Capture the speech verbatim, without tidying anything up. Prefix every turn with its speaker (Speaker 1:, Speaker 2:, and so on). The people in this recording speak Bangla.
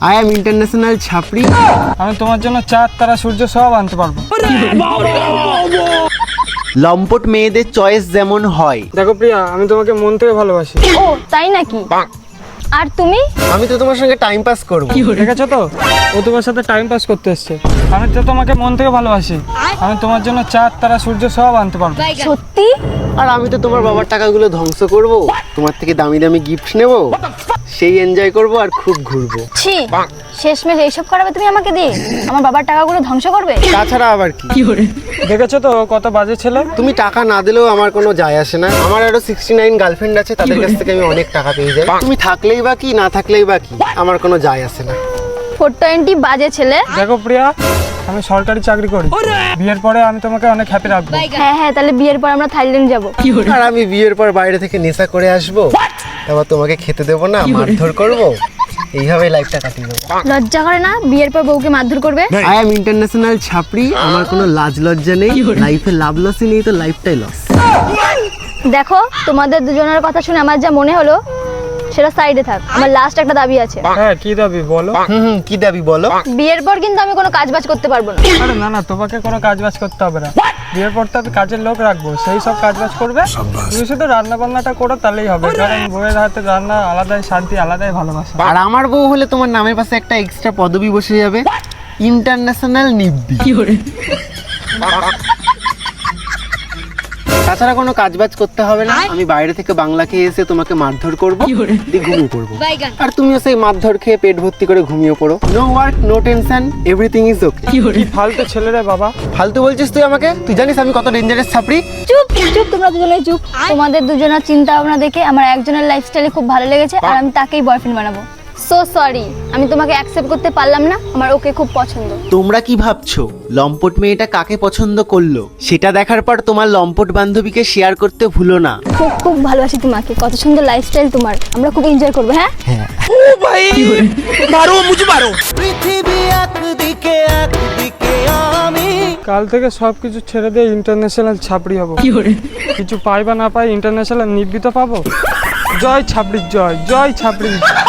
Speaker 1: I am international ছাপড়ি।
Speaker 2: আমি তোমার জন্য চাঁদ তারা সূর্য সব আনতে পারবো।
Speaker 1: লম্পট মেয়েদের চয়েস যেমন হয়।
Speaker 2: দেখো প্রিয়া, আমি তোমাকে মন থেকে ভালোবাসি।
Speaker 3: ও তাই নাকি? আর তুমি?
Speaker 1: আমি তো তোমার সঙ্গে টাইম পাস করবো।
Speaker 2: দেখেছো তো, ও তোমার সাথে টাইম পাস করতে এসছে। আমি তো তোমাকে মন থেকে ভালোবাসি। আমি তোমার জন্য চাঁদ তারা সূর্য সব আনতে পারবো।
Speaker 3: সত্যি?
Speaker 1: আর আমি তো তোমার বাবার টাকাগুলো ধ্বংস করব, তোমার থেকে দামি দামি গিফট নেব, সেই এনজয় করব আর খুব ঘুরবো।
Speaker 3: ছি, শেষমেশ এইসব করাবে তুমি আমাকে দিয়ে? আমার বাবার টাকাগুলো ধ্বংস করবে?
Speaker 1: তাছাড়া আবার কি?
Speaker 2: দেখেছো তো কত বাজে ছেলে।
Speaker 1: তুমি টাকা না দিলেও আমার কোনো যায় আসে না। আমার আরো সিক্সটি নাইন গার্লফ্রেন্ড আছে, তাদের কাছ থেকে আমি অনেক টাকা পেয়ে যাই। তুমি থাকলেই বা কি, না থাকলেই বা কি, আমার কোনো যায় আসে না।
Speaker 3: ফোর টোয়েন্টি বাজে ছেলে।
Speaker 2: দেখো প্রিয়া, আমি সরকারি চাকরি করি। বিয়ের পরে আমি তোমাকে অনেক হ্যাপি রাখবো।
Speaker 3: হ্যাঁ হ্যাঁ, তাহলে বিয়ের পর আমরা থাইল্যান্ড যাবো।
Speaker 1: আর আমি বিয়ের পর বাইরে থেকে নেশা করে আসবো, তারপর তোমাকে খেতে দেবো না, মারধর করবো, এইভাবে লাইফটা কাটিয়ে দেবো।
Speaker 3: লজ্জা করে না বিয়ের পর বউকে মারধর করবে?
Speaker 1: আই এম ইন্টারন্যাশনাল ছাপড়ি, আমার কোনো লাজ লজ্জা নেই। লাইফে লাভ লসই নেই তো লাইফটাই লস।
Speaker 3: দেখো, তোমাদের দুজনের কথা শুনে আমার যা মনে হলো সেটা সাইডে থাক। আমার লাস্ট একটা দাবি আছে।
Speaker 2: হ্যাঁ, কি দাবি বলো?
Speaker 1: হুম হুম, কি দাবি বলো?
Speaker 3: বিয়ের পর কিন্তু আমি কোনো কাজ বাজ করতে পারবো না।
Speaker 2: আরে না না, তোমাকে কোনো কাজ বাজ করতে হবে না। বিয়ের পর তো আমি কাজের লোক রাখবো, সেই সব কাজ বাজ করবে। তুমি শুধু রান্না বান্নাটা করো, তাহলেই হবে। কারণ বউয়ের হাতে রান্না আলাদাই শান্তি, আলাদাই ভালোবাসা।
Speaker 1: আর আমার বউ হলে তোমার নামের পাশে একটা এক্সট্রা পদবি বসে যাবে, ইন্টারন্যাশনাল নিব্বি। তাছাড়া কোনো কাজ বাজ করতে হবে না। আমি বাইরে থেকে বাংলা খেয়ে এসে তোমাকে মারধর করবো, দিয়ে ঘুমিয়ে পড়বো। আর তুমিও সেই মারধর খেয়ে পেট ভর্তি করে ঘুমিয়ে পড়ো। No work, no tension, everything is okay.
Speaker 2: কি ফালতু ছেলে রে বাবা।
Speaker 1: ফালতু বলছিস তুই আমাকে? তুই জানিস আমি কত ডেঞ্জারাস ছাপড়ি?
Speaker 3: চুপ চুপ, তোমরা দুজনে চুপ। তোমাদের দুজনের চিন্তা ভাবনা দেখে আমার একজনের লাইফস্টাইলে খুব ভালো লেগেছে, আর আমি তাকেই বয়ফ্রেন্ড বানাবো। সো সরি, আমি তোমাকে অ্যাকসেপ্ট করতে পারলাম না। আমার ওকে খুব পছন্দ।
Speaker 1: তোমরা কি ভাবছো লম্পট মেয়েটা কাকে পছন্দ করলো? সেটা দেখার পর তোমার লম্পট বান্ধবীকে শেয়ার করতে ভুলো না।
Speaker 3: খুব খুব ভালোবাসি তোমাকে, কত সুন্দর লাইফস্টাইল তোমার। আমরা খুব এনজয় করবো। হ্যাঁ
Speaker 1: হ্যাঁ।
Speaker 4: পৃথিবী একদিকে একদিকে আমি।
Speaker 2: কাল থেকে সবকিছু ছেড়ে দিয়ে ইন্টারন্যাশনাল ছাপড়ি হবো। কিছু পাই বা না পাই, ইন্টারন্যাশনাল নির্বিত পাবো। জয় ছাপড়ির জয়, জয় ছাপড়ির জয়।